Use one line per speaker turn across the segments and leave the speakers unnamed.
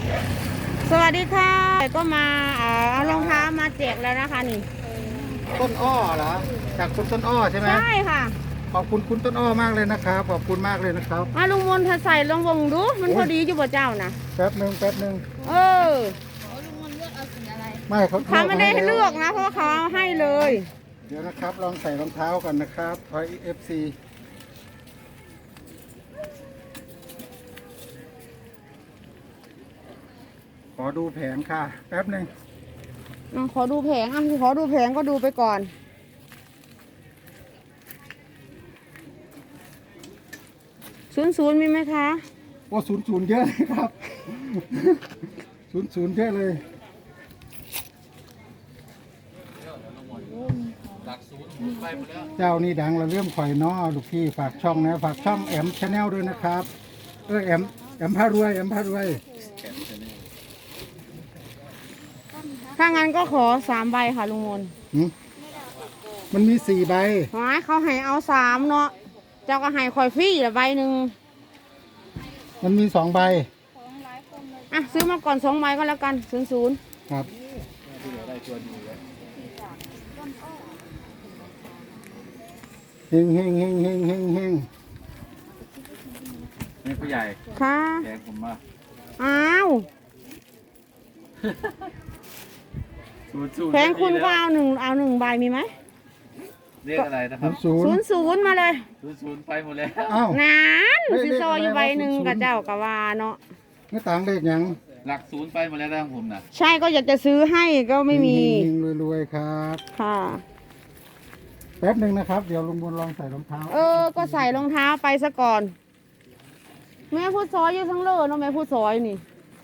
สวัสดีค่ะก็มาเอารองเท้ามาแจกแล้วนะคะนี่
ต้นอ้อเหรอจากคุณต้นอ้อใช่ไหม
ใช่ค่ะ
ขอบคุณคุณต้นอ้อมากเลยนะครับขอบคุณมากเลยนะครับ
มาลุงมนถ้าใส่ลองวงดูมันพอดีอยู่บ่เจ้านะ
แป๊บหนึ่ง
เออ
ลุงมนเลือกเอาสีอะไร
ไม่
เขาไม่ได้ให้เลือกนะเพราะว่าเขาเอาให้เลย
เดี๋ยวนะครับลองใส่รองเท้าก่อนนะครับทอยFCขอดูแผงค่ะแป๊บหนึ่ง
ขอดูแผงขอดูแผงก็ดูไปก่อน00มีไหมคะ
โอ้00เยอะเลยครับ00เยอะเลยเจ้านี่ดังเราเริ่มข่อยน้อลูกพี่ฝากช่องนะฝากช่องแอมชาแนลด้วยนะครับแอมพารวย
ถ้างั้นก็ขอ3 ใบค่ะลุงมน
มันมี4 ใบ
เขาให้เอา3เนาะเจ้าก็ให้คอยฟรีละใบหนึ่ง
มันมี2 ใบ
ซื้อมาก่อน2 ใบก็แล้วกัน00
ครับเฮง
นี่ผู้ใหญ่
ค่ะ
แกงผมมา
อ้าวแพงคุณก็เอาหนึ่งใบมีไหม
เรียกอะไรนะครับ
00มาเลย
00ไปหมดแล้ว
นานซิโซอยู่ใบหนึ่งกับเจ้ากะวาเนาะ
ไม่ต่างเลขยัง
หลัก0ไปหมดแล้วนะผมนะ
ใช่ก็อยากจะซื้อให้ก็ไม่มี
รวยครับ
ค่ะ
แป๊บหนึ่งนะครับเดี๋ยวลุงบุญลองใส่รองเท้า
ก็ใส่รองเท้าไปซะก่อนแม่พูดซอยอยู่ทั้งเลิศเนาะแม่พูดซอยนี่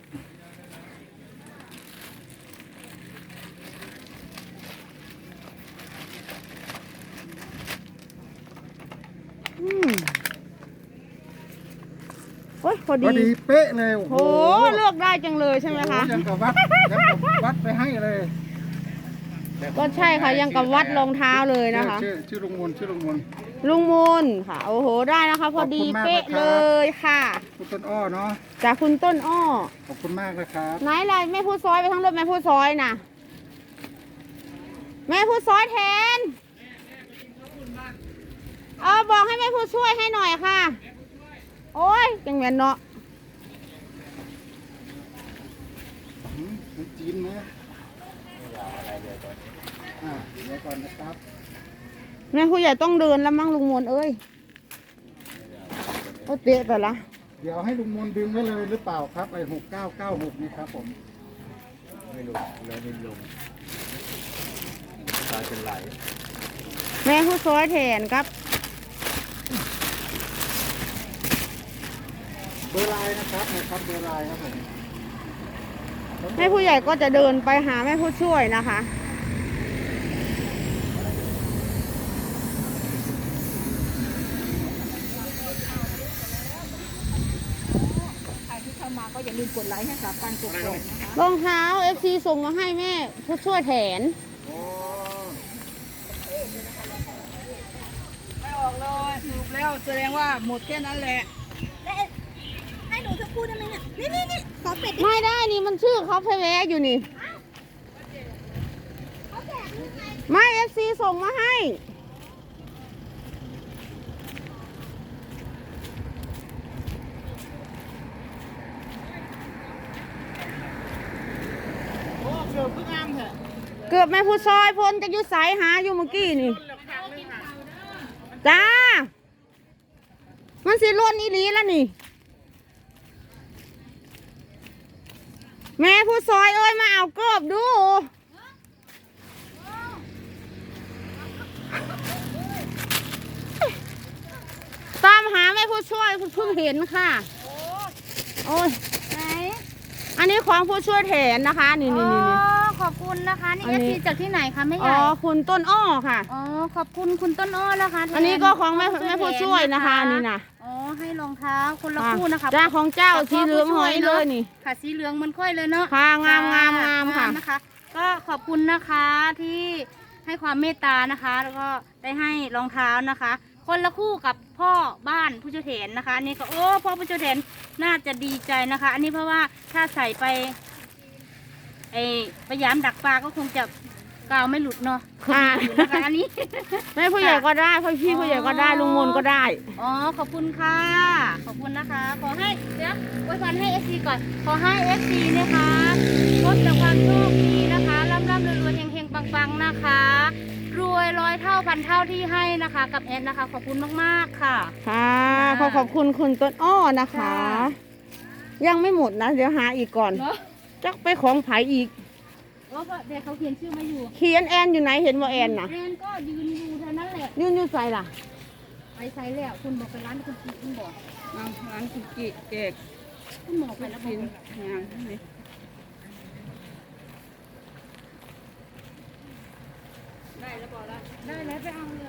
โอ้ยพอดี
เป๊ะเลย
โอ้เลือกได้จังเลยใช่ไหมคะ
ยังกับวัดไปให้เลย
ก็ใช่ค่ะยังกับวัดรองเท้าเลยนะคะ
ชื่อลุงมน
ลุงมนค่ะโอ้โหได้นะคะพอดีเป๊ะเลยค่ะ
คุณต้นอ้อเนาะ
จากคุณต้นอ้อ
ขอบคุณมากนะครับ
ไหนอะไรแม่พูดซอยไปทั้งรถแม่พูดซอยนะแม่พูดซอยแทนบอกให้แม่พูดช่วยให้หน่อยค่ะโอ้ยจังแม่นเนาะ
จีนไหมเดี๋ยวก่อนนะครับ
แม่ผู้ใหญ่ต้องเดินแล้วมั้งลุงมนเอ้ยก็เตะไปละ
เดี๋ยวให้ลุงมนดึงไว้เลยหรือเปล่าครับไอ้6996นี่ครับผม
ไม่ลงแล้วไม่ลงตาเป็นไหล
แม่ผู้ซอยแทนครับ
เบอร์ไลน์นะครับเบอร์ไลน์ครับผม
แม่ผู้ใหญ่ก็จะเดินไปหาแม่ผู้ช่วยนะคะ
ก็อย่าลืมกดไลค์ให้กับการกดนะคะ
รองเท้า FC ส่งมาให้แม่ผู้ช่วยแทน
ไม่ออกเลยสรุปแล้วแสดงว่าหมดแค่นั้นแหละให้หนูจะพูดได้ไหมเนี่ยนี่ขอเป็ด
ไม่ได้นี่มันชื่อเขาเพแวอยู่นี่ไม่ FC ส่งมาให้เกือบแม่ผู้ซอยพ้นจะอยู่สายหาอยู่เมื่อกี้นี่จ้ามันสิล้นอีหลีแล้วนี่แม่ผู้ซอยเอ้ยมาเอาเกือบดูตามหาแม่ผู้ช่วยเพิ่งเห็นค่ะโอ้ย
ไหน
อันนี้ของผู้ช่วยแทนนะคะนี่
ขอบคุณนะคะนี่เอฟซีจากที่ไหนคะแม่ใหญ่
คุณต้นอ้อค่ะ
ขอบคุณคุณต้นอ้อนะคะ
อันนี้ก็ของแม่ผู้ช่วยนะคะนี่นะ
ให้รองเท้าคนละคู่นะคะ
จ้าของเจ้าสีเหลืองหอยเลยนี่
ค่ะสีเหลืองมันค่อยเลยเนาะ
ค่ะงามค่ะ
นะคะก็ขอบคุณนะคะที่ให้ความเมตตานะคะแล้วก็ได้ให้รองเท้านะคะ
คนละคู่กับพ่อบ้านผู้เจริญนะคะอันนี้ก็โอ้พ่อผู้เจริญน่าจะดีใจนะคะ อันนี้เพราะว่าถ้าใส่ไปพยายามดักปลาก็คงจะกาวไม่หลุดเนาะ
ค่ะ
อยู่นะคะอันนี้
แม่ผู้ใหญ่ก็ได้พ่อพี่ผู้ใหญ่ก็ได้ลุงมนก็ได้
อ๋อขอบคุณค่ะขอบคุณนะคะ ขอให้เดี๋ยวอวยพรให้เอฟซีก่อนขอให้เอฟซีนะคะพบแต่ความโชคดีนะคะร่ำรวยเฮงปังนะคะ รวยร้อยเท่าพันเท่าที่ให้นะคะ กับแอดนะคะ ขอบคุณมากๆค่ะ
ค่ะขอบคุณคุณต้นอ้อนะคะ ยังไม่หมดนะ เดี๋ยวหาอีกก่อน
เนาะ
จักไปของไผอีก
เพราะว่าเด็กเขาเขียนชื่อมาอยู่
เขียนแอนอยู่ไหนเห็นว่าแอนนะ
แอนก็ยืนอยู่เท่านั้นแหละ
ยืนอยู่ใส่ล่ะ
ไปใส่แล้วคุณบอกไปร้านคุณกิคุณบอก
ร้านคุกกี้เค้ก
คุณบอกไปแล้วบอก
งานนี่
ได้แล้วไปเอาเลย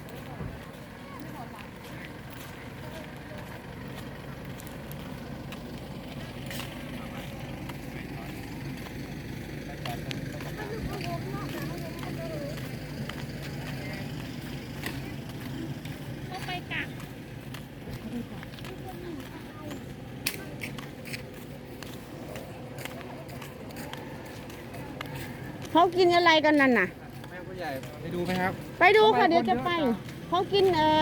เขากินอะไรกันนั่นน่ะ
แม่ผู้ใหญ่ไปดูไหมครับ
ไปดูค่ะเดี๋ยวจะไป เขากิน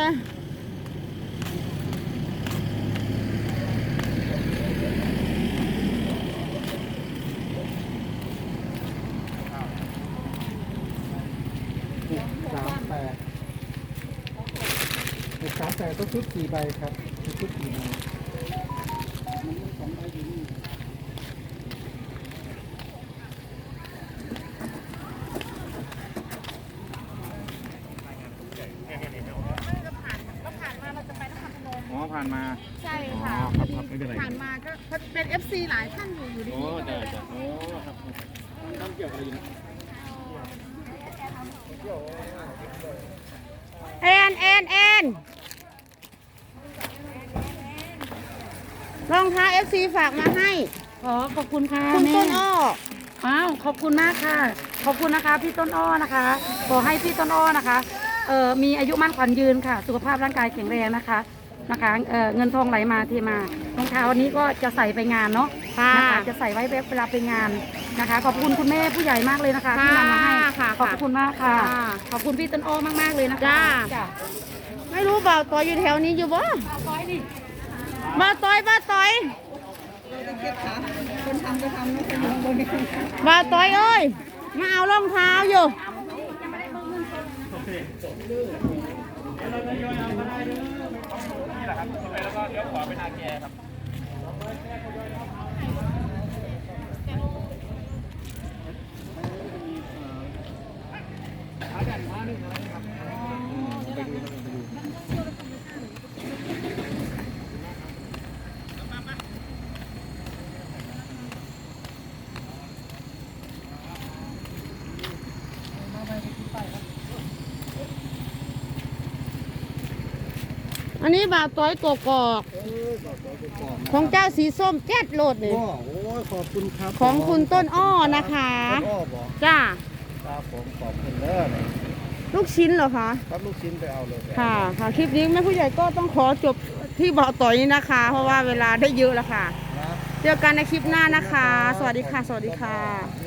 38ต้องชุด4ใบครับชุด4ใบอ๋อผ่านมา
ใช่ค่ะ
ครับไม่เป็นไร
ผ่านมาก็เป็น FC หลายท่านอยู่ดี
โอ้ได้จ้ะโอ้ครับต้องเกี่ยวอะไรอยู่นะ
แอนรองเท้า FC ฝากมาให้
ขอบคุณค่ะ
คุณ
แม่
ต้นอ้อ
อ้าวขอบคุณมากค่ะ ขอบคุณนะคะพี่ต้นอ้อนะคะ ขอให้พี่ต้นอ้อนะคะมีอายุมั่นขวัญยืนค่ะ สุขภาพร่างกายแข็งแรงนะคะเงินทองไหลมาเทมารองเท้าวันนี้ก็จะใส่ไปงานเนาะ
ค่ะ
นะคะจะใส่ไว้เวลาไปงานนะคะ ขอบคุณคุณแม่ผู้ใหญ่มากเลยนะคะที่นำมาให้
ค่ะ
ขอบคุณมากค่ะ
ค่ะ
ขอบคุณพี่ต้นอ้อมากๆเลยนะคะ
จ้า
จ้า
ไม่รู้บ่าวต่อยอยู่แถวนี้อยู่บ่
ร้อยดิ
บ่าวต่อย
คนทำก็ทำไม่เป็นไรบนนี้
บ่าวต่อยเอ้ย มาเอารองเท้าอยู่ อันนี้บ่าวต้อยกกอกของเจ้าสีส้มแจ๊ดโลดนี่
โอ้ยขอบคุณครับ
ของคุณต้นอ้อนะคะ
ต้นอ้อบอก
จ้า
ครับผมขอบคุณเด้อ
ลูกชิ้นเหรอคะ
ครับลูกชิ้นไปเอาเลย
ค่ะคลิปนี้แม่ผู้ใหญ่ก็ต้องขอจบที่บ่าวต่อยนี้นะคะ เพราะว่าเวลาได้เยอะแล้วค่ะ
นะ
เจอกันในคลิปหน้านะคะ สวัสดีค่ะ สวัสดีค่ะ
ค